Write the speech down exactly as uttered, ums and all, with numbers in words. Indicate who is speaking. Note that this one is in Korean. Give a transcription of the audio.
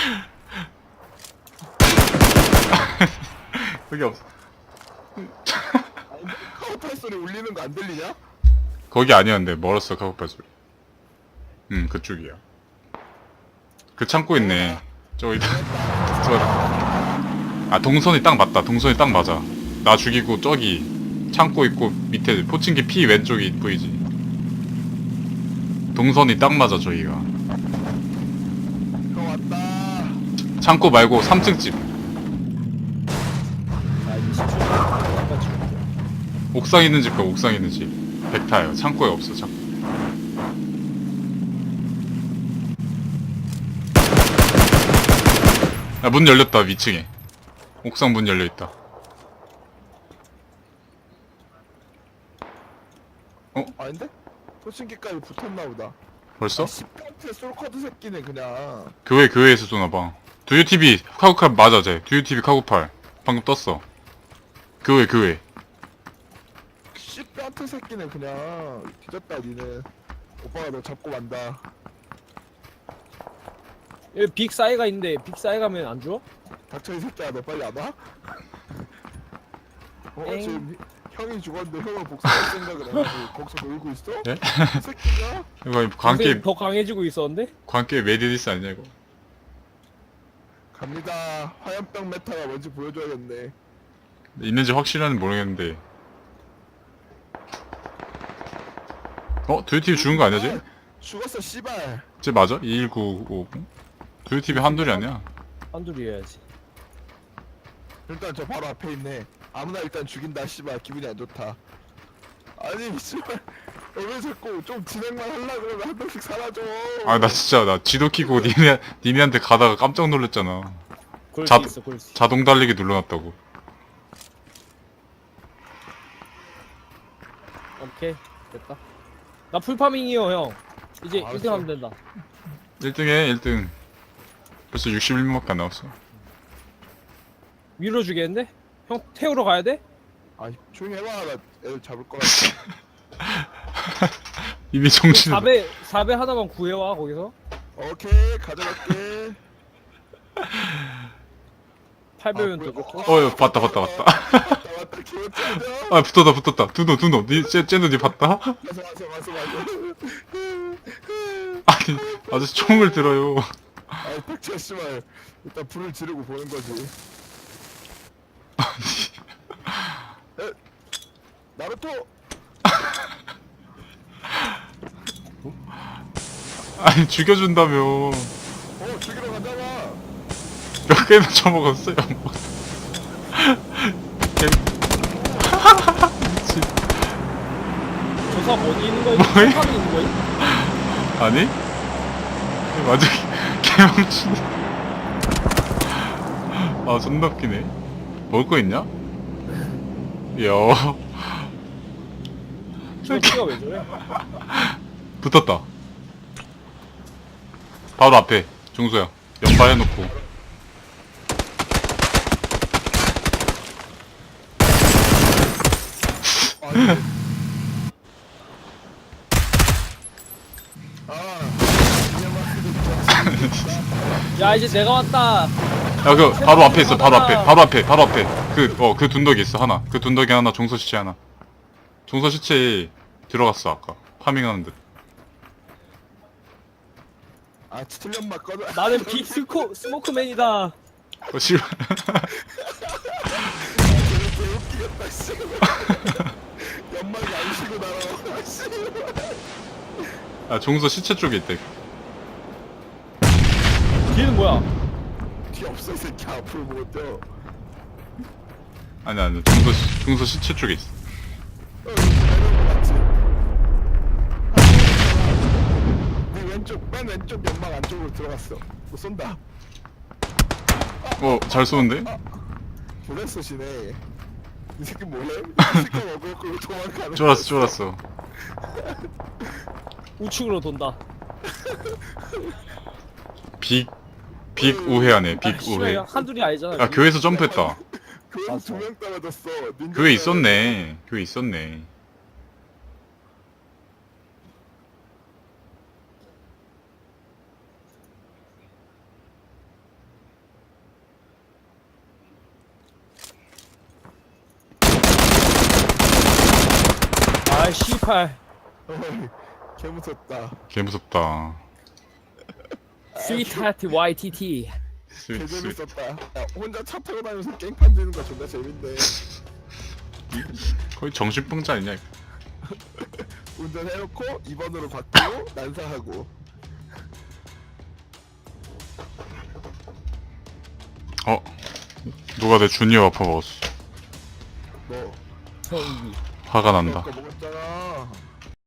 Speaker 1: 여기 없어.
Speaker 2: 아니, 카우팔 소리 울리는 거 안 들리냐?
Speaker 1: 거기 아니었는데 멀었어 카고팔 소리. 응 그쪽이야. 그 창고 있네. 저기다. 저거다. 아 동선이 딱 맞다. 동선이 딱 맞아. 나 죽이고 저기 창고 있고 밑에 포칭기 피 왼쪽이 보이지. 동선이 딱 맞아 저기가.
Speaker 2: 형 왔다.
Speaker 1: 창고 말고 삼 층 집.
Speaker 3: 아 이십 초 아까 죽었어.
Speaker 1: 옥상 있는 집과 옥상 있는 집. 백타예요. 창고에 없어 창고. 야, 문 열렸다 위층에. 옥상 문 열려있다.
Speaker 2: 아닌데? 포칭기까지 붙었나 보다.
Speaker 1: 벌써?
Speaker 2: 십 평대 솔커드 새끼네 그냥.
Speaker 1: 교회 교회에서 쏘나봐. 두유티비 카구팔 맞아 쟤. 두유티비 카구팔 방금 떴어. 교회 교회.
Speaker 2: 십 평대 새끼네 그냥. 뒤졌다 니는. 오빠가 너 잡고 만다.
Speaker 3: 여기 빅 사이가 있는데 빅 사이 가면 안 죽어?
Speaker 2: 닥쳐 이 새끼야 너 빨리 안 와? 어
Speaker 3: 엥.
Speaker 2: 지금 형이 죽었는데 형을 복수할 생각을 해가지고 거기서 놀고 있어?
Speaker 1: 예?
Speaker 2: 이 새끼가?
Speaker 1: 이거 관계
Speaker 3: 요새 더 강해지고 있었는데?
Speaker 1: 관계 메디디스 아니냐 이거.
Speaker 2: 갑니다. 화염병 메타가 뭔지 보여줘야겠네.
Speaker 1: 있는지 확실한지 모르겠는데. 어? 두유티비 죽은 거 아니야 쟤?
Speaker 2: 죽었어 씨발.
Speaker 1: 쟤 맞아? 이일구오. 두유티비 한둘이 아니야?
Speaker 3: 한둘이 해야지.
Speaker 2: 일단 저 바로 앞에 있네. 아무나 일단 죽인다 씨발 기분이 안 좋다. 아니 씨발 왜 자꾸 좀 진행만 하려 그러면 한 명씩 사라져.
Speaker 1: 아 나 진짜 나 지도 키고 니네 니네한테 가다가 깜짝 놀랐잖아.
Speaker 3: 그럴
Speaker 1: 자-
Speaker 3: 수 있어 그럴 수 있어.
Speaker 1: 자동 달리기 눌러놨다고.
Speaker 3: 오케이 됐다. 나 풀파밍이요 형. 이제
Speaker 2: 알았어.
Speaker 3: 일 등 하면 된다.
Speaker 1: 일 등에 일 등. 벌써 육십일 명밖에 안 남았어.
Speaker 3: 위로 주겠는데? 형 태우러 가야 돼?
Speaker 2: 아 조용히 해봐. 나 애들 잡을 거라.
Speaker 1: 이미 정신.
Speaker 3: 사 배 사 배 하나만 구해와 거기서.
Speaker 2: 오케이 가져갈게.
Speaker 3: 팔 배면
Speaker 2: 아,
Speaker 3: 더
Speaker 2: 뭐야.
Speaker 3: 좋고.
Speaker 1: 어, 야, 봤다, 봤다, 봤다.
Speaker 2: 맞다 맞다 기억자죠?
Speaker 1: 아 붙었다 붙었다. 두노 두노. 니 쟤, 쟤는 니 봤다?
Speaker 2: 와서 와서 와서 와서.
Speaker 1: 아니 아저씨 총을 들어요.
Speaker 2: 아이 닥쳐 씨발. 일단 불을 지르고 보는 거지. 에? 나루토.
Speaker 1: 아니 죽여준다며.
Speaker 2: 어 죽이러 가자마.
Speaker 1: 몇 개나 처먹었어요. 개- 미친.
Speaker 3: 저 사람 어디 있는 거야?
Speaker 1: 뭐해?
Speaker 3: 풀파밍 있는 거야?
Speaker 1: 아니? 맞아 개망치네. 아 존나 웃기네. 먹을 거 있냐? 이야
Speaker 3: 저 키가 왜 저래?
Speaker 1: 붙었다. 바로 앞에 종소야 연발해놓고.
Speaker 2: 아니. 아.
Speaker 3: 야 이제 내가 왔다.
Speaker 1: 야 그 바로 앞에 있어. 바로 앞에 바로 앞에 바로 앞에 그 어 그 둔덕이 있어 하나. 그 둔덕이 하나. 종소 시체 하나. 종소 시체 들어갔어 아까 파밍하는 듯.
Speaker 2: 아 칠년만 꺼져.
Speaker 3: 나는 빅 스코 스모크맨이다.
Speaker 1: 어 씨발.
Speaker 2: 개웃기겠다 씨. 연막이 안 쉬고 날아와 씨.
Speaker 1: 아 종소 시체 쪽에 있대.
Speaker 3: 뒤에는 뭐야?
Speaker 2: 뒤 없어 이 새끼 앞으로 보고 뛰어.
Speaker 1: 아니 아니 종소 시- 종소 시체 쪽에 있어.
Speaker 2: 어, 여기 내려온 거 맞지? 네 왼쪽 맨 왼쪽 연막 안쪽으로 들어갔어. 뭐 쏜다.
Speaker 1: 어 잘 쏘는데?
Speaker 2: 보냈어 쏘시네. 이 새끼 뭐해? 이 새끼 먹고 그리고 도망가는.
Speaker 1: 쫄았어 쫄았어.
Speaker 3: 우측으로 돈다.
Speaker 1: 빅, 빅 우회하네, 빅
Speaker 3: 아, 씨발,
Speaker 1: 우회.
Speaker 3: 이거 한둘이 아니잖아.
Speaker 1: 야, 교회에서 점프했다.
Speaker 2: 교회
Speaker 3: 맞아.
Speaker 2: 두명 떨어졌어. 닌자
Speaker 1: 교회 있었네. 교회 있었네.
Speaker 3: 아 씨팔.
Speaker 2: 어이, 개 무섭다.
Speaker 1: 개 무섭다.
Speaker 3: 스위트하트 와이티티.
Speaker 2: 개
Speaker 1: 스윗 스윗.
Speaker 2: 재밌었다. 야, 혼자 차 타고 다니면서 깽판 되는 거 존나 재밌네.
Speaker 1: 거의 정신병자 아니냐 이거.
Speaker 2: 운전해놓고 이 번으로 바꾸고 난사하고.
Speaker 1: 어? 누가 내 주니어 와퍼 먹었어.
Speaker 2: 너
Speaker 3: 성기.
Speaker 1: 화가 난다.
Speaker 2: 그거 먹었잖아.